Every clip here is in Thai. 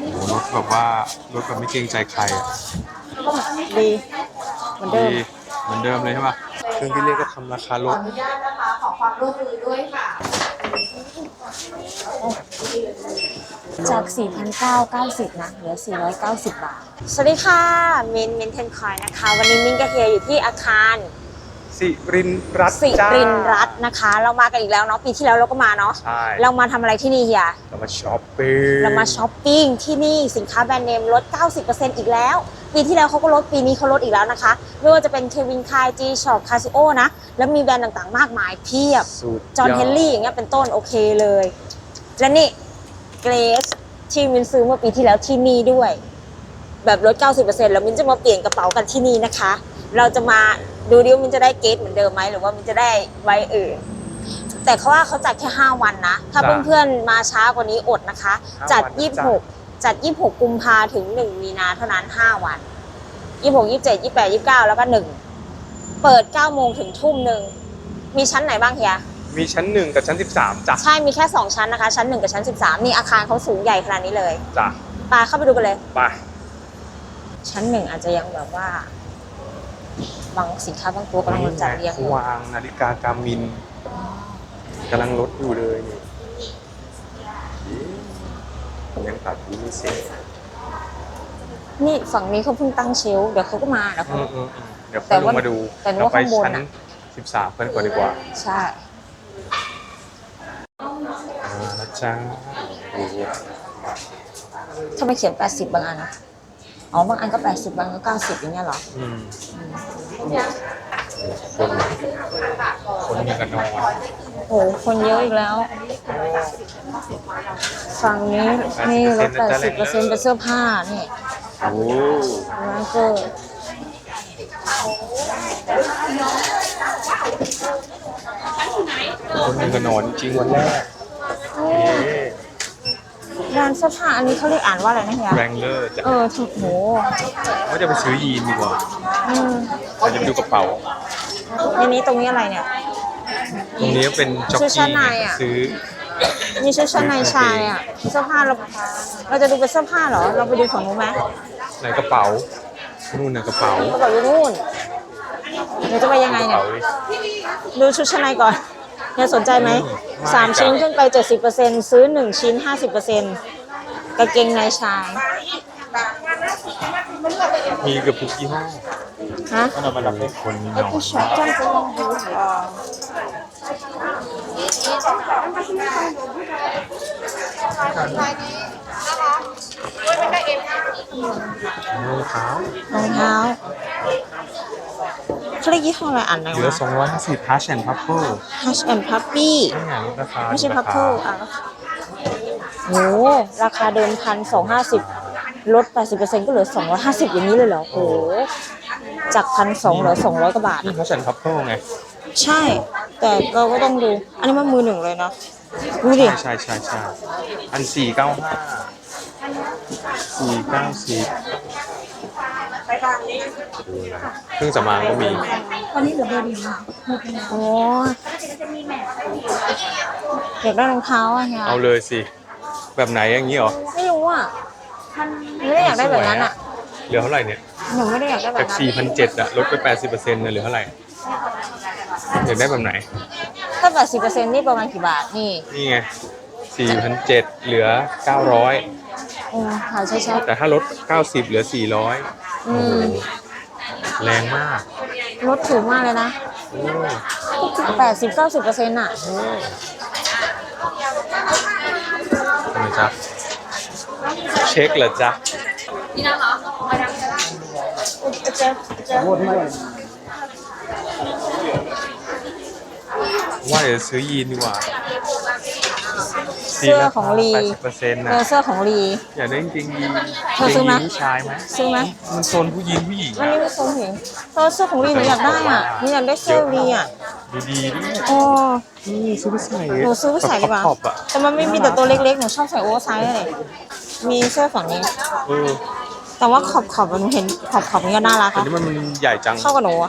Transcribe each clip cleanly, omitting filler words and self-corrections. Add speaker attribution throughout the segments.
Speaker 1: โอ้รถแบบว่ารถแบบไม่เกรงใจใครอ่ะ
Speaker 2: ดีเหมือนเดิม
Speaker 1: ดีเหมือนเดิมเลยใช่ป่ะเครื่องที่เรียกก็ทำราคาลด
Speaker 3: ขออนุญาตนะคะขอความร่วมมือด้วยค่ะ
Speaker 2: จาก 4,990 นะ เหลือ 490 บาท สวัสดีค่ะ มินเทนคอยนะคะ วันนี้มินกับเฮียอยู่ที่อาคาร
Speaker 1: สิรินรัตน์
Speaker 2: สิ
Speaker 1: จ้า
Speaker 2: รินรัตน์นะคะ เรามากันอีกแล้วเนาะ ปีที่แล้วเราก็มาเนาะ
Speaker 1: ใช่
Speaker 2: เรามาทำอะไรที่นี่เฮีย
Speaker 1: เรามาช้อปปิ้ง
Speaker 2: เรามาช้อปปิ้งที่นี่สินค้าแบรนด์เนมลด 90% อีกแล้ว ปีที่แล้วเขาก็ลด ปีนี้เขาลดอีกแล้วนะคะ ไม่ว่าจะเป็นเควินคายจีช็อปคาซิโอนะ แล้วมีแบรนด์ต่างๆ มากมายเพียบ
Speaker 1: สุด
Speaker 2: จอห์นเฮนรี่อย่างเงี้ยเป็นต้นโอเคเลย และนี่เกรซที่มินซื้อเมื่อปีที่แล้วที่นี่ด้วย แบบลด 90% แล้วมินจะมาเปลี่ยนกระเป๋ากันที่นี่นะคะ เราจะมาดูดิวมินจะได้เกรซเหมือนเดิมไหมหรือว่ามินจะได้ไว้อื่น แต่เขาว่าเขาจัดแค่ 5 วันนะ ถ้าเพื่อนๆมาช้ากว่านี้อดนะคะ จัด 26 กุมภาถึง 1 มีนาเท่านั้น 5 วัน 26 27 28 29 แล้วก็ 1 เปิด 9 โมงถึงทุ่มหนึ่ง มีชั้นไหนบ้างเฮีย
Speaker 1: มีชั้น1กับชั้น13จ้ะ
Speaker 2: ใช่ มีแค่ 2 ชั้นนะคะ ชั้น 1 กับชั้น 13 นี่อาคารเขาสูงใหญ่ขนาดนี้เลย
Speaker 1: จ้ะ
Speaker 2: ไปเข้าไปดูกันเลย
Speaker 1: ไป
Speaker 2: ชั้น 1 อาจจะยังแบบว่า บางสินค้าบางตัวกำลังจัดเรียงอยู่
Speaker 1: วางนาฬิกาการมินกำลังลดอยู่เลยนี่ยังตัดอยู่ไม่เสร็จ
Speaker 2: นี่ฝั่งนี้เขาเพิ่งตั้งเชลฟ์เดี๋ยวเขาก็มาแล้วเขา
Speaker 1: เดี๋ยวค่อยลงมาดู
Speaker 2: แต่ว่า
Speaker 1: เราไป
Speaker 2: ข้างบน
Speaker 1: ชั้น
Speaker 2: อะ
Speaker 1: 13กันก่อนดีกว่า
Speaker 2: ใช่
Speaker 1: นะจ๊ะ
Speaker 2: ทำไมเขียน 80 บางอันนะอ๋อ บางอันก็ 80 บางอันก็ 90 อย่างเงี้ยเหรอ
Speaker 1: คนยังกันนอน
Speaker 2: โอ้คนเยอะอีกแล้ว ฝั่งนี้นี่ลด 80%เป็นเสื้อผ้า นี่
Speaker 1: โอ้
Speaker 2: มาร์เกอร์
Speaker 1: คนยังกันนอนจริงวันแรก
Speaker 2: ร้านเสื้อผ้าอันนี้เขาเรียกอ่านว่าอะไรนะเฮีย
Speaker 1: แรงเลอร์จะ
Speaker 2: ถูกโห
Speaker 1: ว่าจะไปซื้อยีนดีกว่า
Speaker 2: อืม
Speaker 1: เราจะไปดูกระเป๋า
Speaker 2: ในนี้ตรงนี้อะไรเนี่ย
Speaker 1: ตรงนี้เป็นจ็อก
Speaker 2: ชุดชั้
Speaker 1: กี้
Speaker 2: นในอะ
Speaker 1: ซื้อ
Speaker 2: มีชุดชั้นในชายอ่ะ เสื้อผ้าเราจะดูเป็นเสื้อผ้าเหรอ เราไปดูฝั่งนู้นไหม
Speaker 1: ในกระเป๋านู่นน่ะกระเป๋า
Speaker 2: เขาบอกอยู่นู่นเดี๋ยวจะไปยังไง
Speaker 1: กระ
Speaker 2: เนี่ย
Speaker 1: เป๋าดิ
Speaker 2: ดูชุดชั้นในก่อนเนี่ยสนใจไหม
Speaker 1: ไม่
Speaker 2: 3 ชิ้นขึ้นไป 70%ซื้อ 1 ชิ้น 50%กางเกงในชาย
Speaker 1: มีเกือบทุกยี่ห้อ
Speaker 2: ฮะ
Speaker 1: ก็เรามารับให้คนมีน้อย
Speaker 2: ช็อปจ้างจะลองดูเหรอ
Speaker 1: รองเท้าร
Speaker 2: องเท้าเขาเรียกยี่ห้ออะไรอ่านไหน
Speaker 1: เหลือ
Speaker 2: วะ
Speaker 1: 250 Hush and Puffer
Speaker 2: Hush and Puppy
Speaker 1: นี่ไงลดราคา
Speaker 2: ไม่ใช่
Speaker 1: ลดรา
Speaker 2: Puffle
Speaker 1: คา
Speaker 2: อ่ะโหราคาเดิม1,250ลด 80%ก็เหลือ 250 อย่างนี้เลยเหรอโหจาก 1,200 เหลือ 200 กว่าบาท
Speaker 1: นี่ Hush and Puffer ไง
Speaker 2: ใช่ แต่เราก็ต้องดู อันนี้มันมือหนึ่งเลยนะดูดิ
Speaker 1: ใช่อัน490เครื่องสำอางก็มี
Speaker 2: วันนี้เหลือเบอร์เดียวโอ้อยากได้รองเท้าอ่ะเนี่ย
Speaker 1: เอาเลยสิ แบบไหนอย่างนี้เหรอ
Speaker 2: ไม่รู้อ่ะไม่ได้อยากได้แบบนั้นอ่ะ
Speaker 1: เหลือเท่าไหร่เนี่ย
Speaker 2: หนูไม่ได้อยากได้แบ
Speaker 1: จาก
Speaker 2: บนั้น
Speaker 1: 4,700อะลดไป 80%เนี่ยเหลือเท่าไหร่อยากได้แบบไหน
Speaker 2: ถ้า 80%นี่ประมาณกี่บาท นี่
Speaker 1: นี่ไง 4,700เหลือ 900
Speaker 2: ค่ะใช่ใช่
Speaker 1: แต่ถ้าลด 90 เหลือ 400
Speaker 2: อืม
Speaker 1: แรงมาก
Speaker 2: ลดถูกมากเลยนะ
Speaker 1: โอ้
Speaker 2: 80-90%อ่ะ
Speaker 1: ทำไมจ๊ะเช็คเหรอจ๊ะว่าเดี๋ยวซื้อยีนดีกว่า
Speaker 2: เสื้อของลี
Speaker 1: 80%นะ
Speaker 2: เสื้อของลี
Speaker 1: อยากได้จริงๆยีน
Speaker 2: เธอซื้อไหม
Speaker 1: ยีนผู้ชายไหม
Speaker 2: ซื้อไหม
Speaker 1: มันโซนผู้หญิงผู้หญิง
Speaker 2: อัน
Speaker 1: อะ
Speaker 2: นี้ไม่ทรงเห็นเสื้อของลีหนูอยากได้อ่ะหนูอยากได้เสื้อลีอ่ะ
Speaker 1: ดีๆด้วย
Speaker 2: โอ้
Speaker 1: นี่ซื้อไปใส่
Speaker 2: หนูซื้อไปใส่ดีกว่า
Speaker 1: ขอบๆอะ
Speaker 2: แต่มันไม่มีแต่ตัวเล็กๆ หนูชอบใส่โอเวอร์ไซส์เลยมีเสื้อฝั่งนี้
Speaker 1: เออ
Speaker 2: แต่ว่าขอบหนูเห็นขอบนี่ก็น่ารัก
Speaker 1: แต่
Speaker 2: อะ
Speaker 1: นี่มันใหญ่จัง
Speaker 2: เข้ากับหนูอะ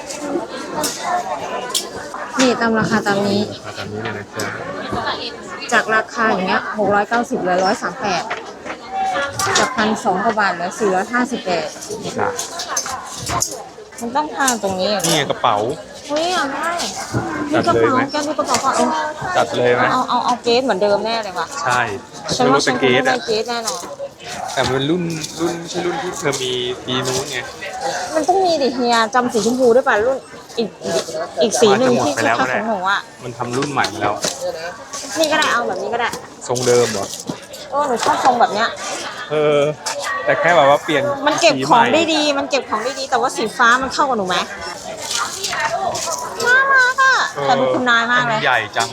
Speaker 2: นี่ตามราคาตามนี้
Speaker 1: มาตามนี้เลยนะจ๊ะ
Speaker 2: จากราคาอย่างเงี้ย690เหลือ138จาก1,200 กว่าบาทเหลือ458
Speaker 1: จ้ะ
Speaker 2: มันต้องทางตรงนี้
Speaker 1: นี่ไงกระเป๋า
Speaker 2: เฮ้ยอยากได้
Speaker 1: จั
Speaker 2: ดู
Speaker 1: ด
Speaker 2: กระ
Speaker 1: เลย
Speaker 2: เป๋า
Speaker 1: ไหม
Speaker 2: แกดูกระเป๋าก่อน
Speaker 1: จัดเลยไหม
Speaker 2: เอาเกสเหมือนเดิมแน่เลยว่ะ
Speaker 1: ใช่
Speaker 2: ฉัน
Speaker 1: ไม่
Speaker 2: ว่า
Speaker 1: รู้
Speaker 2: ฉั
Speaker 1: เป็น น
Speaker 2: ค
Speaker 1: เก
Speaker 2: ง
Speaker 1: ส
Speaker 2: ได้
Speaker 1: อะ
Speaker 2: เกสแน่นอน
Speaker 1: แต่มันเป็นรุ่นไม่ใช่รุ่นที่เธอมีปีนู้นไง
Speaker 2: มันต้องมีดิเฮียจำสีชมพูได้ป่ะรุ่นอีกสีหนึ่งที่คือคักของหนูอ่ะ
Speaker 1: มันทำรุ่นใหม่แล้ว
Speaker 2: นี่ก็ได้เอาแบบนี้ก็ได้
Speaker 1: ทรงเดิมเหรอ
Speaker 2: หนูชอบทรงแบบเนี้ย
Speaker 1: แต่แค่แบบว่าเปลี่ยน
Speaker 2: มันเก็บ
Speaker 1: สี
Speaker 2: ของ
Speaker 1: ใหม่
Speaker 2: ได้ดี มันเก็บของได้ดี แต่ว่าสีฟ้ามันเข้ากับหนูไหมน่ารักอ่ะแต่ดูคุณนายมากเลย
Speaker 1: ใหญ่จัง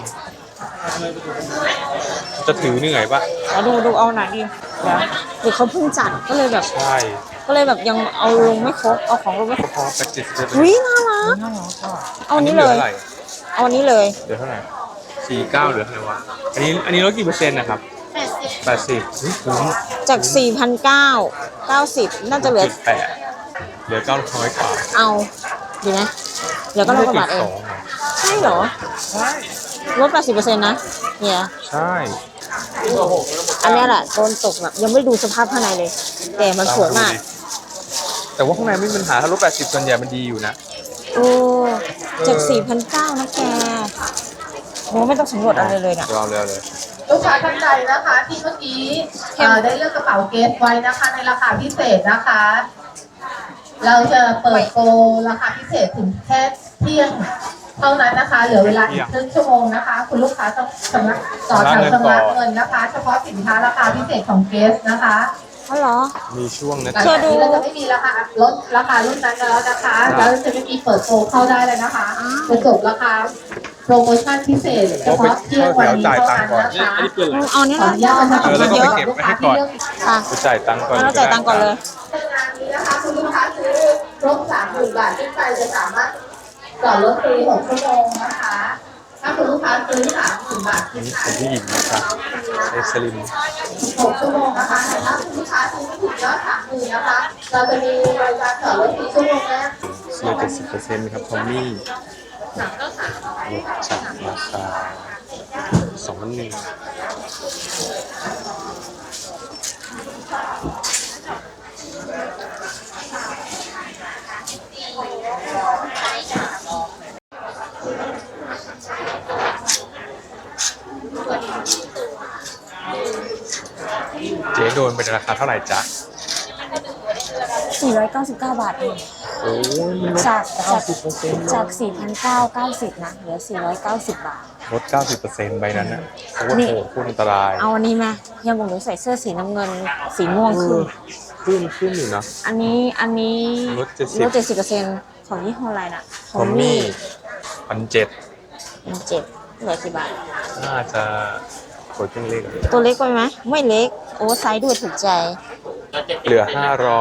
Speaker 1: จะถือเหนื่อยปะ
Speaker 2: แล้วดูเอาหน่อยดิเดี๋ยวเขาเพิ่งจัดก็เลยแบบ
Speaker 1: ใช่
Speaker 2: ยังเอาลงไม่ครบ เอาของลงไม่ครบ
Speaker 1: พอแพ็กเกจจะ
Speaker 2: อุ้ยน่ารัก เอาอันนี้เลย
Speaker 1: เหลือเท่าไหร่
Speaker 2: เอาอันนี้เลย
Speaker 1: เหลือเท่าไหร่49เหลือเท่าไหร่วะอันนี้ลดกี่เปอร์เซ็นต์นะครับ80เฮ้ยคุ้ม
Speaker 2: จาก 4,990 น่าจะเหลือ
Speaker 1: 8เหลือ900กว่า
Speaker 2: เอาดีไหมเดี๋ยวก็ร้อยกว่าบาทเอง ใช่เหรอ
Speaker 1: ใช่
Speaker 2: ลด 80%นะเนี่ย
Speaker 1: ใช่
Speaker 2: อันเนี้ยแหละโดนตกแบบยังไม่ดูสภาพข้างในเลย แต่มันสวยมาก
Speaker 1: แต่ว่าข้างในไม่มีปัญหาถ้าลด80ส่วนใหญ่มันดีอยู่นะ
Speaker 2: โอ้จาก 4,900นะแกโหไม่ต้องสำรวจอะไรเลยนะ
Speaker 1: เราเลย
Speaker 3: ลูกค้าท่านใดนะคะที่เมื่อกี้ได้เลือกกระเป๋าเกสไว้นะคะในราคาพิเศษนะคะ เราจะเปิดโปรราคาพิเศษถึงแค่เที่ยงเท่านั้นนะคะ เหลือเวลาอีกครึ่งชั่วโมงนะคะ คุณลูกค้าต้องชำระต่อแถวชำระเงินนะคะ เฉพาะสินค้าราคาพิเศษของเกสนะคะ
Speaker 2: อ๋อเหรอ
Speaker 1: มีช่วงนะ
Speaker 3: หลังจากนี้เราจะไม่มีราคาลดราคารุ่นนั้นแล้วนะคะแล้วจะไม่มีเปิดโปรเข้าได้เลยนะคะจะจบราคาโปรโมชั่นพิเศษเฉพาะเที่ยงวันนี้เท่านั้นนะคะ
Speaker 1: อันนี้เกินเลย
Speaker 2: เอาเนี้ย
Speaker 3: ขอ
Speaker 2: นะ
Speaker 3: อนุญาตนะคะ
Speaker 1: แล้วก็
Speaker 2: เย
Speaker 1: ไป
Speaker 2: อะ
Speaker 1: เก็บไว้ให้ก่อน
Speaker 2: ค่ะ
Speaker 1: จะจ่ายตังค์ก่อน
Speaker 2: แล้วเราจ่ายตังค์ก่อนเลย
Speaker 3: ในงานนี้นะคะคุณลูกค้าซื้อครบ30,000 บาทขึ้นไปจะสามารถจอดรถฟรี6ชั่วโมงนะคะ ถ้าคุณลูกค้าซื้อ30,000 บาทขึ้น
Speaker 1: นี่
Speaker 3: ไป
Speaker 1: เป็นผู้หญิงนะครับเอสลิม
Speaker 3: 6ชั่วโมงนะคะแต่ถ้าคุณลูกค้าซื้อไม่ถึงยอด30,000นะคะ เราจะมีบริการจอดรถฟรีชั่วโมงแรก
Speaker 1: เสื้อ70%ครับทอมมี่ลดจากราคา2,100เจ๊โดนเป็นราคาเท่าไหร่จ๊ะ
Speaker 2: 499 บาทเอง
Speaker 1: โอ้ยมันลด
Speaker 2: จาก 4,990 นะ เหลือ 490 บาท
Speaker 1: ลด 90%ใบนั้นนะโอ้โหโคตรอันตราย
Speaker 2: เอาอันนี้ไหมยังบอกหนูใส่เสื้อสีน้ำเงิน สีม่วงคือ
Speaker 1: ขึ้นอยู่นะ
Speaker 2: อันนี้
Speaker 1: ลด70
Speaker 2: ลด 70%ของยี่ห้ออะไรนะ
Speaker 1: ทอมมี่1,700
Speaker 2: เป็น7เหลือกี่บาท
Speaker 1: น่าจะกดเครื่องเลข
Speaker 2: ตัวเล็กไปไหม ไม่เล็ก โอ้ไซส์ด้วยถูกใจ
Speaker 1: เหลือ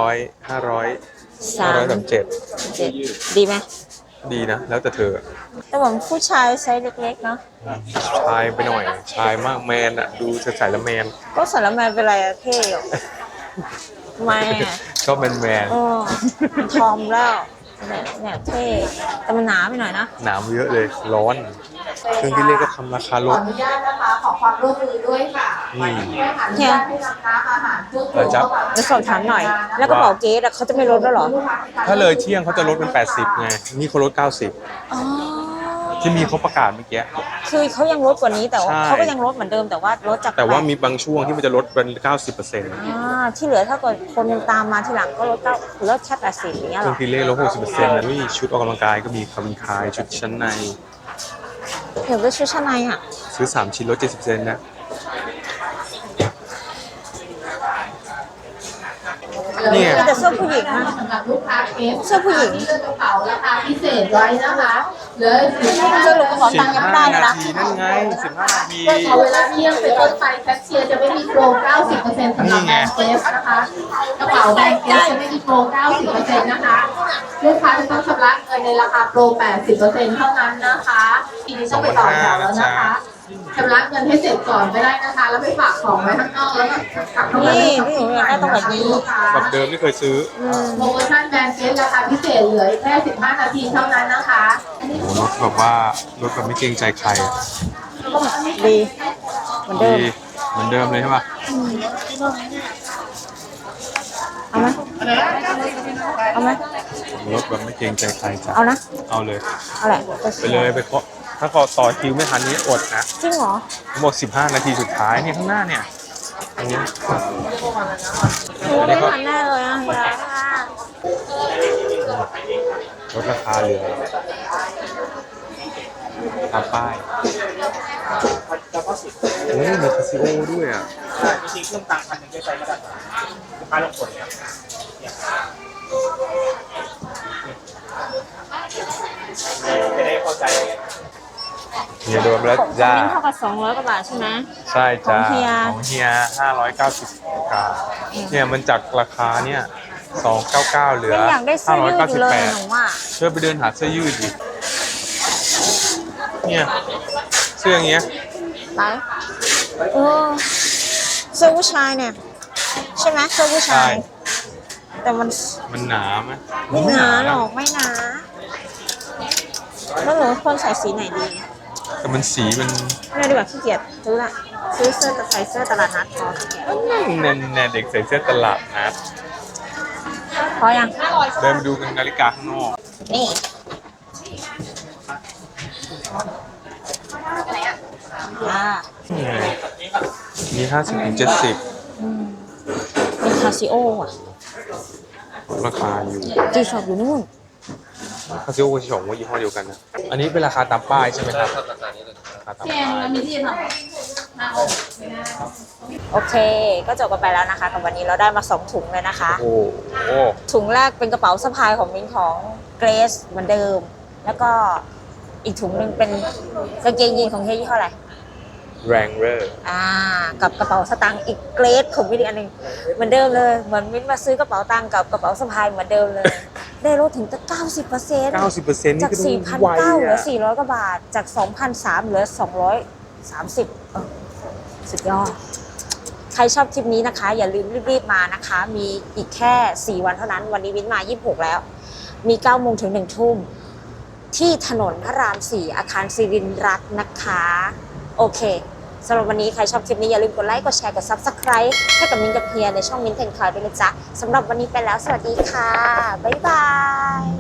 Speaker 1: 537
Speaker 2: 7ดีไหม
Speaker 1: ดีนะ แล้วแต่เธอ
Speaker 2: แต่ผมผู้ชายไซส์เล็กๆ เนาะ
Speaker 1: ชายไปหน่อย ชายมากแมนอะดูจะใส่แล้วแมน
Speaker 2: ก็สารแมนเป็นไรอะเท่อยู่ทำไมอะ
Speaker 1: ก็แมนแมน
Speaker 2: เออทอมแล้วเนี่ยเท่แต่มันหนาไปหน่อยนะ
Speaker 1: หนาวเยอะเลยร้อนเครื่องที่เลขก็ทำราคา
Speaker 3: ข
Speaker 1: ล
Speaker 3: อ
Speaker 1: ด
Speaker 3: อนุญาตนะคะขอความร่วมมือด้วยค่ะ
Speaker 1: อืม
Speaker 3: ช่วยอนุญาตให้นำน้ำอาหารเครื่องดื่มเข้ามา
Speaker 2: เดี๋ยวสอบถามหน่อย แล้วกระเป๋าเกสอะเขาจะไม่ลดแล้วเหรอ
Speaker 1: ถ้าเลยเที่ยงเขาจะลดเป็น80ไงนี่เขาลด
Speaker 2: อ๋อ
Speaker 1: 90 ที่มีเขาประกาศเมื่อกี้
Speaker 2: คือเขายังลดกว่านี้แต่ว่า
Speaker 1: ใช่
Speaker 2: เขาก็ยังลดเหมือนเดิมแต่ว่าลดจาก
Speaker 1: แต่ว่า
Speaker 2: 8
Speaker 1: มีบางช่วงที่มันจะลดเป็น 90%
Speaker 2: ที่เหลือถ้าเกิดคนตามมาทีหลังก็ลดแค่80อย่างเงี้ย
Speaker 1: เค
Speaker 2: เหร
Speaker 1: รื่อ
Speaker 2: อง
Speaker 1: ที่เลขลด 60%นะนี่ชุดออกกำลังกายก็มีคาบินคายชุดชั้นใน
Speaker 2: เดี๋ยวไปชุดชั้นในอ่ะ
Speaker 1: ซื้อ3ชิ้นลด 70%นะ เนี่ย
Speaker 2: มีแต่เสื้อผู้หญิงนะ
Speaker 3: สำหรับลูกค้าเคส
Speaker 2: เสื้อผู้หญิง
Speaker 3: ที่เลือกกระเป๋าราคาพิเศษไว้นะคะเหลือ15
Speaker 2: สรุปกระเป๋าตังค์ยังไม่ได้เลยนะ
Speaker 1: 15 นาทีนั่นไง15 นาที
Speaker 3: พอเวลาเที่ยงเป็นต้นไปแคชเชียร์จะไม่มีโปร 90% สำหรับแบรนด์เกสนะคะกระเป๋าแบรนด์เกสจะไม่มีโปร 90% นะคะลูกค้าจะต้องชำระเงินในราคาโปร 80% เท่านั้นนะคะทีนี้ต้องไปต่อแถวแล้วนะคะชำระเงินให้เสร็จก่อนไม่ได้นะคะ แล้วไปฝากของไว้ข้างนอกแล้วก็กลับเข้ามา
Speaker 2: นี่พี่หนูอยากได้ตรงแบบนี้
Speaker 1: แบบเดิมที่เคยซื้อ
Speaker 3: โปรโมชั่นแบรนด์เกสราคาพิเศษเหลือแค่15 นาทีเท่านั้นนะคะ
Speaker 1: โอ้รถแบบว่ารถแบบไม่เกรงใจใครอะ
Speaker 2: ดีมือนเดิม
Speaker 1: ดีเหมือนเดิมเลยใช่ป่ะ
Speaker 2: เอาไหมเอาไหม
Speaker 1: รถแบบไม่เกรงใจใครจ้ะ
Speaker 2: เอานะ
Speaker 1: เอาเลย
Speaker 2: เอาแหละ
Speaker 1: ไปเลยไปเคาะถ้าขอต่อคิวไม่ทันนี้อดนะ
Speaker 2: จริงเหรอ
Speaker 1: หมด15 นาทีสุดท้ายนี่ข้างหน้าเนี่ยตรงนี้
Speaker 2: ไม่ทันแน่เลยอะเฮีย
Speaker 1: ลดราคาเหลือตามป้ายโอ้ยมีคาซิโอด้วยอ่ะ
Speaker 4: จริงๆเครื่องตังค์1,000ได้ใช้ก็ได้ลูกค้าลงผลจะได้เข้าใจ
Speaker 1: เฮียโดนไปแล้วจ้า
Speaker 2: มิ้นเท่ากับ200 กว่าบาทใช่ไหม
Speaker 1: ใช่จ้า
Speaker 2: ของเฮีย
Speaker 1: ของเฮีย590บาทเนี่ยมันจากราคาเนี่ย299เหลือ
Speaker 2: ยังอยากได้เสื้อยืดอยู่เลยหนู
Speaker 1: 598
Speaker 2: ว่า
Speaker 1: เชื่อไปเดินหาเสื้อยืดดิเนี่ยเสื้ออย่างเงี้ย
Speaker 2: ไปเออเสื้อผู้ชายเนี่ย ใช่ไหมเสื้อผู้ชาย แต่มัน
Speaker 1: มันหนาไหม
Speaker 2: ไม่หนาหรอกไม่หนาแล้วหนูควรใส่สีไหนดี
Speaker 1: แต่มันสีมัน
Speaker 2: ไม่ดีกว่าขี้เกียจซื้อละซื้อเสื้อใส่เสื้อตลาดนัดพอขี้เกียจ
Speaker 1: แน่ๆเด็กใส่เสื้อตลาดนะ
Speaker 2: พอยัง
Speaker 1: เดินไปดูกันนาฬิกาข้างนอก
Speaker 2: นี่อ่า
Speaker 1: นี่ไงมี50 ถึง 70
Speaker 2: เป็นคาซิโออ่ะ
Speaker 1: ราคาอยู่
Speaker 2: จีช็อปอยู่นู่น
Speaker 1: คาซิโอกับชิชองว่ายี่ห้อเดียวกันนะ อันนี้เป็นราคาตามป้ายใช่ไหมครับราคาตามป้าย
Speaker 3: มีที่ทำหน้าอก
Speaker 2: โอเค ก็จบกันไปแล้วนะคะกับวันนี้เราได้มา2ถุงเลยนะคะ
Speaker 1: โอ้โห
Speaker 2: ถุงแรกเป็นกระเป๋าสะพายของมิ้นของเกรซเหมือนเดิม แล้วก็อีกถุงหนึ่งเป็นกางเกงยีนของเฮียยี่ห้ออะไร
Speaker 1: แรงเรอร์
Speaker 2: กับกระเป๋าสตางค์อีกเกรดของมิ้นอีกอันหนึ่งเหมือนเดิมเลย เหมือนมิ้นมาซื้อกระเป๋าตังค์กับกระเป๋าสะพายเหมือนเดิมเลย ได้ลดถึงตั้ง 90%
Speaker 1: 90%นี่
Speaker 2: จาก
Speaker 1: ก็ดูไว
Speaker 2: 4,900เหลือ
Speaker 1: อ่ะ
Speaker 2: 400 กว่าบาท จาก 2,300เหลือ 230สุดยอด ใครชอบคลิปนี้นะคะ อย่าลืมรีบๆมานะคะ มีอีกแค่ 4 วันเท่านั้น วันนี้มิ้นมา 26 แล้ว มี 9 โมงถึง 1 ทุ่ม ที่ถนนพระราม 4 อาคารสิรินรัตน์นะคะ โอเคสำหรับวันนี้ใครชอบคลิปนี้อย่าลืมกดไลค์ กดแชร์ กด Subscribe ให้กับมิ้นกับเฮียในช่องมิ้นเทนคลายด้วยนะจ๊ะสำหรับวันนี้ไปแล้ว สวัสดีค่ะ บ๊ายบาย